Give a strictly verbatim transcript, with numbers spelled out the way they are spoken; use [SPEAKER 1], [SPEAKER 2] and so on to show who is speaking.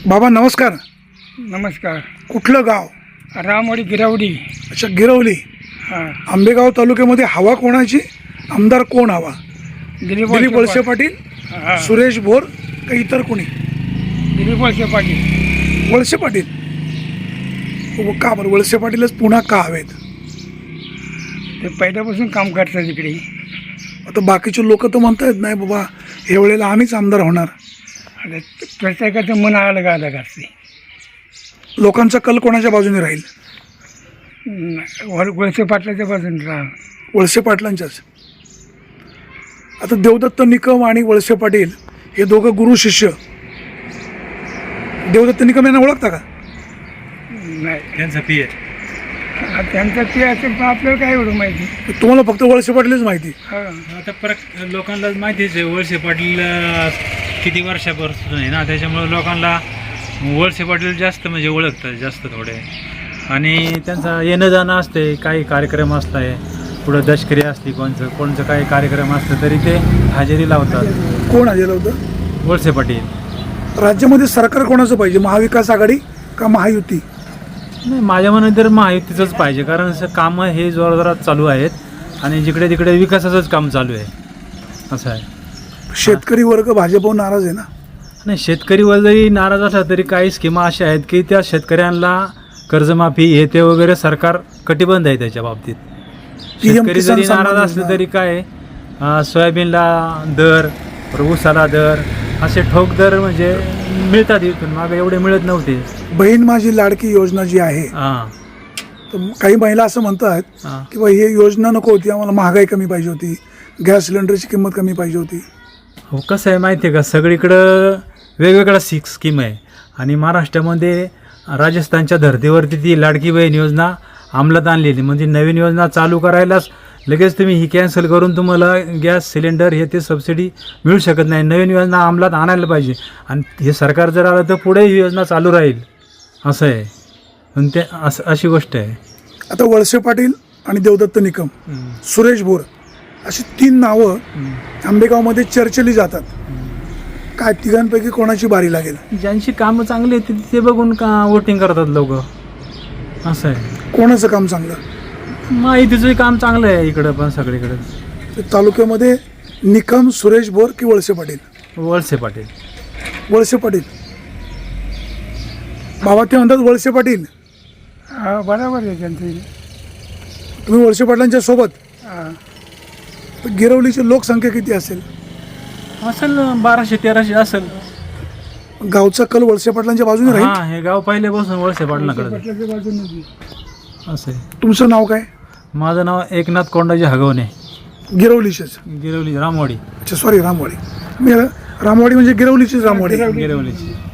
[SPEAKER 1] बाबा नमस्कार.
[SPEAKER 2] नमस्कार.
[SPEAKER 1] कुठलं गाव?
[SPEAKER 2] रामवाडी गिरावडी.
[SPEAKER 1] अच्छा, गिरवली.
[SPEAKER 2] हां.
[SPEAKER 1] आंबेगाव तालुक्यामध्ये हवा कोणाची? आमदार कोण हवा?
[SPEAKER 2] दिलीप
[SPEAKER 1] दिलीप वळसे पाटील,
[SPEAKER 2] हां.
[SPEAKER 1] सुरेश भोर का इतर कोणी?
[SPEAKER 2] दिलीप वळसे पाटील.
[SPEAKER 1] वळसे पाटील. हो, का बरं वळसे पाटीलच पुन्हा का हवेत?
[SPEAKER 2] ते पहिल्यापासून काम करतात इकडे.
[SPEAKER 1] आता बाकीचे लोक तर म्हणतात नाही बाबा ह्या वेळेला आम्हीच आमदार होणार.
[SPEAKER 2] आता प्रत्येकाचं मन अलग अलग असते.
[SPEAKER 1] लोकांचा कल कोणाच्या बाजूने राहील?
[SPEAKER 2] वळ वळसे पाटलाच्या बाजूने राहा.
[SPEAKER 1] वळसे पाटलांच्याच. आता देवदत्त निकम आणि वळसे पाटील हे दोघं गुरु शिष्य. देवदत्त निकम यांना ओळखता का?
[SPEAKER 2] नाही,
[SPEAKER 3] त्यांचा पी आहे.
[SPEAKER 2] आता त्यांचं ते असेल पण आपल्याला काय एवढं माहिती.
[SPEAKER 1] तुम्हाला फक्त वळसे पाटीलच माहिती.
[SPEAKER 2] हां.
[SPEAKER 3] आता परत लोकांना माहितीच आहे वळसे पाटील अं, किती वर्षापासून आहे ना, त्याच्यामुळे लोकांना वळसे पाटील जास्त म्हणजे ओळखतात जास्त थोडे. आणि त्यांचा येणं जाणं असते, काही कार्यक्रम असताय पुढं दशकरी असली कोणचं कोणचं काही कार्यक्रम असतं तरी ते हजेरी लावतात.
[SPEAKER 1] कोण आलेलं होतं?
[SPEAKER 3] वळसे पाटील.
[SPEAKER 1] राज्यामध्ये सरकार कोणाचं पाहिजे? महाविकास आघाडी का महायुती?
[SPEAKER 3] नाही, माझ्या मनात तर महायुतीचंच पाहिजे, कारण असं कामं हे जोरजोरात चालू आहेत आणि जिकडे तिकडे विकासाचंच काम चालू आहे असं आहे.
[SPEAKER 1] शेतकरी वर्ग भाजपवर नाराज आहे ना?
[SPEAKER 3] नाही, शेतकरी जरी नाराज असला तरी काही स्कीमा अशा आहेत की त्या शेतकऱ्यांना कर्जमाफी हे ते वगैरे सरकार कटिबंध आहे त्याच्या बाबतीत. शेतकरी जरी नाराज असले तरी काय अं, सोयाबीनला दर, ऊसाला दर, असे ठोक दर म्हणजे मिळतात इथून. मागे एवढे मिळत नव्हते.
[SPEAKER 1] बहीण माझी लाडकी योजना जी आहे,
[SPEAKER 3] हां
[SPEAKER 1] तर काही महिला असं म्हणतात
[SPEAKER 3] हां
[SPEAKER 1] की बा ही योजना नको होती, आम्हाला महागाई कमी पाहिजे होती, गॅस सिलेंडरची किंमत कमी पाहिजे होती.
[SPEAKER 3] हो, कसं आहे माहिती आहे का, सगळीकडं वेगवेगळ्या सिक स्कीम आहे आणि महाराष्ट्रामध्ये राजस्थानच्या धर्तीवरती ती लाडकी बहीण योजना अंमलात आणलेली. म्हणजे नवीन योजना चालू करायलाच लगेच तुम्ही ही कॅन्सल करून तुम्हाला गॅस सिलेंडर हे ते सबसिडी मिळू शकत नाही. नवीन योजना अंमलात आणायला पाहिजे आणि हे सरकार जर आलं तर पुढे ही योजना चालू राहील असं आहे. पण ते असं अशी गोष्ट आहे.
[SPEAKER 1] आता वळसे पाटील आणि देवदत्त निकम, सुरेश भोर अशी तीन नावं आंबेगावमध्ये चर्चेली जातात. काय तिघांपैकी कोणाची बारी लागेल?
[SPEAKER 3] ज्यांची कामं चांगली आहेत ते बघून का वोटिंग करतात लोक असं आहे.
[SPEAKER 1] कोणाचं काम चांगलं?
[SPEAKER 3] माहितीचं काम चांगलं आहे इकडं पण सगळीकडे.
[SPEAKER 1] ते तालुक्यामध्ये निकम, सुरेश भोर की वळसे पाटील?
[SPEAKER 3] वळसे पाटील.
[SPEAKER 1] वळसे पाटील. बाबा ते म्हणतात वळसे पाटील.
[SPEAKER 2] हा, बरोबर आहे त्यांचं.
[SPEAKER 1] तुम्ही वळसे पाटलांच्या सोबत.
[SPEAKER 2] हां.
[SPEAKER 1] तर गिरवलीची लोकसंख्या किती असेल?
[SPEAKER 3] असेल बाराशे तेराशे असेल.
[SPEAKER 1] गावचा कल वळसे पाटलांच्या बाजूने राहील.
[SPEAKER 3] हा, हे गाव पहिल्यापासून वळसे पाटलाकडे
[SPEAKER 2] पाटलाच्या बाजूने.
[SPEAKER 3] असं आहे.
[SPEAKER 1] तुमचं नाव काय?
[SPEAKER 3] माझं नाव एकनाथ कोंडाजी हगवणे.
[SPEAKER 1] गिरवलीचेच?
[SPEAKER 3] गिरवली रामवाडी.
[SPEAKER 1] अच्छा, सॉरी, रामवाडी. मी रामवाडी म्हणजे गिरवलीचीच रामवाडी.
[SPEAKER 3] गिरवलीची.